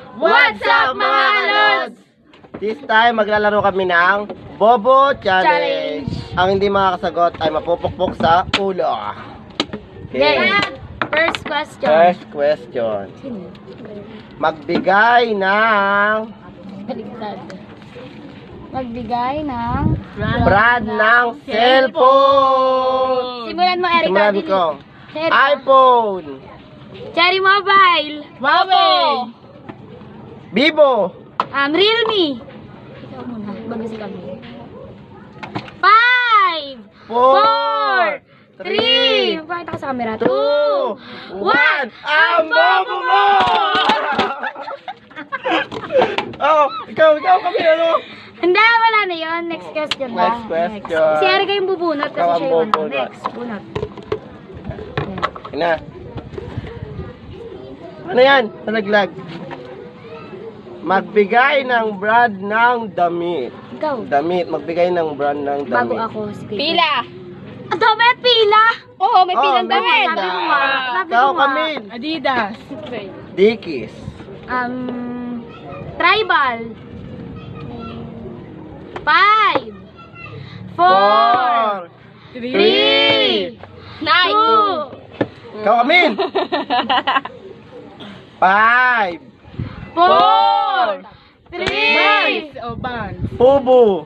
What's up mga lods? This time maglalaro kami ng Bobo Challenge. Ang hindi makakasagot ay mapupukpok sa ulo. Okay. First question. First question. Magbigay ng Baliktad. Magbigay ng brand ng cellphone. Simulan mo, Erica. Simulan Dili. ko. Erica. iPhone. Cherry Mobile. Huawei. Vivo. Realme. Ikaw muna, bago si kami. 5, 4, 3, magpakita ka sa camera. 2, 1. Ang bobo mo! Oh, ikaw kami ano? Hindi, wala na yun. Next question ba? Next question. Si Erica yung bubunot kasi Ikaw ang siya yung ano. bubunot. Next, bunot. Ina. Ano yan? Nalaglag. Magbigay ng brand ng damit. Ikaw. Damit. Magbigay ng brand ng damit. Bago ako. Sige. Pila. Ang dami, pila! Oo, may pilang may damit. pila. Sabi ko nga. Sabi Ikaw ko nga. kami. Adidas. Dickies. Tribal. 5, 4, 3, 2, Nike. Ikaw kami. 5. 4, 3, O Vans. Pubo.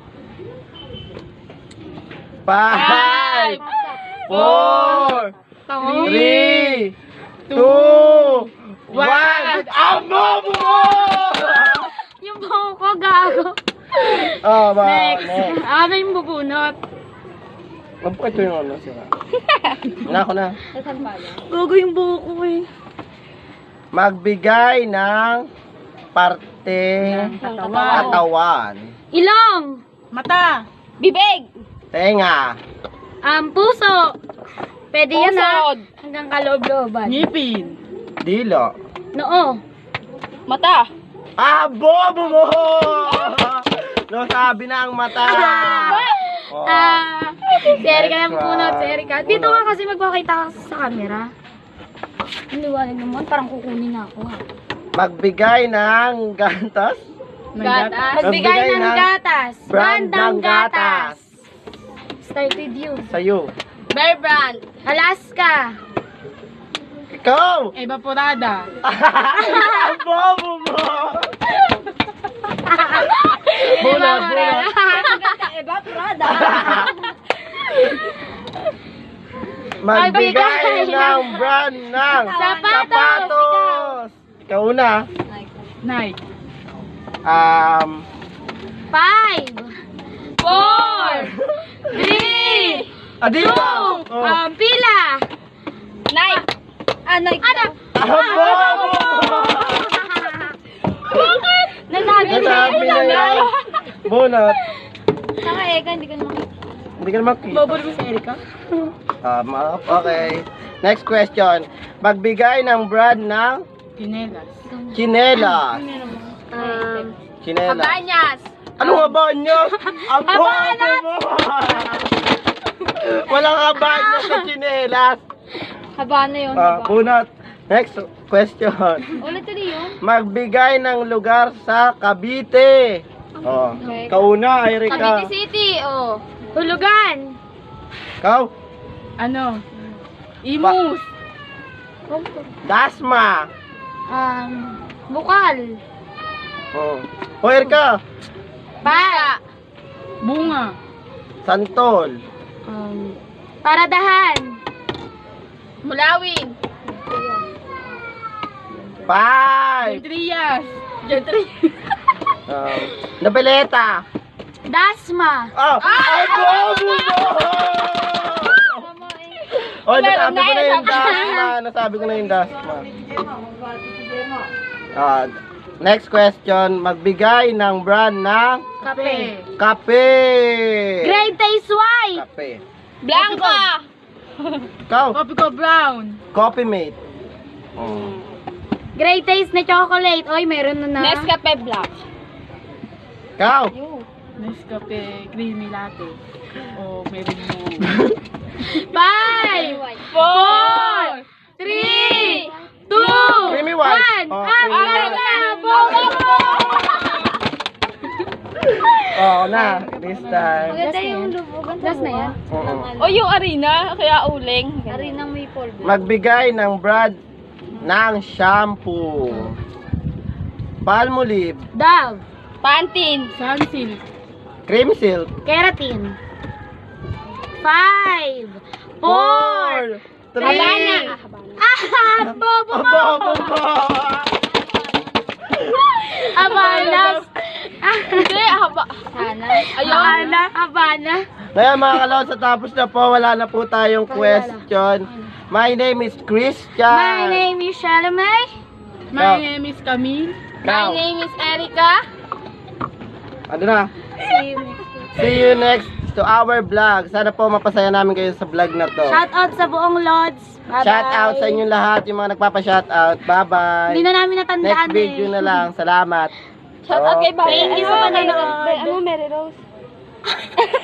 5, 4, 3, 2, 1. Ang bobo mo! yung buhok ko, gago. Oh, ba? Next. Ako na yung bubunot. Ito yung ano sila. Ako na. Gago yung buhok ko eh. Magbigay ng parte katawan. Ilong. Mata. Bibig. Tenga. Puso. Pwede yan ha. Pusod. Hanggang kaloob-looban. Ngipin. Dilo. Noo. Mata. Ah, bobo mo! No, sabi na ang mata. Oh. Si Erica Next lang punot. Si one. Erica. Dito ka kasi magpakita ka sa camera. Ang liwanag naman. Parang kukunin na ako ha. Magbigay ng gatas. Gatas. Magbigay Magbigay ng ng gatas. brand ng gatas. Start with you. Sa'yo. Bear Brand. Alaska. Ikaw! Evaporada. Ang bobo mo! Bunot. Evaporada. Magbigay ng brand ng Sapatos. Ikaw una. Nike. 5, 4, 3, Adidas. 2, pila. Nike. Nike. Ano? Ang bobo mo! Bakit? Nasabi Nasabi na yan. Bunot. Saka Eka, hindi ko naman. Hindi ka naman kita. Bobo naman si Erica. Okay. Next question. Magbigay ng brand ng Tinelas. chinelas. Chinelas. Kabanyas. Ano nga ba niya? Ang bobo mo! Walang kabanyas sa chinelas. Haba na yun. Bunot. Next question. Ulit ulit yun. Magbigay ng lugar sa Cavite. Oh. Kauna, Erika. Cavite City, oh. Hulugan. Kau. Ano? Imus. Dasma. Bukal. Oh. O, Erika. Pa. Bunga. Santol. Paradahan. Mulawin. 5. Trias. Nabeleta. Dasma. Oh, ay, bobo mo! Oh, nasabi ko na yung dasma. Nasabi ko na yung dasma. Next question. Magbigay ng brand ng Kape. kape. Great Taste White. Kape. Blanca. Ikaw. Coffee ko brown. Coffee mate. Oh. Great Taste na chocolate. Oy, meron na na. Nescafe Black. Ikaw. Nescafe creamy latte. O meron mo. 5, 4, 3, 2, Creamy white. 1. Oh, Ang creamy meron white. na. Bobo! Oo na, this time. Maganda yung lubugan. Last na yan? Oo. O yung arena, kaya uling. Arinang may polvo. Magbigay ng brand ng shampoo. Palmolive, Dove. Pantin. Sunsilk. Cream Silk, Keratin. 5. 4. 3, Habana. Bobo mo. Habana. Hindi, haba. Sana. Ayun. Habana. Ngayon mga kalotsa, tapos na po, wala na po tayong question. My name is Christian. My name is Shalamay. My name is Camille. Now, My name is Erica. ano na? See you next week. See you next to our vlog. Sana po mapasaya namin kayo sa vlog na to. Shout out sa buong Lods. Bye-bye. Shout out sa inyong lahat, yung mga nagpapa-shout out. Bye-bye. Hindi na namin natandaan Next video na lang. Salamat. Shout out kay Bobby. Thank you sa panonood. Ano, Mary Rose?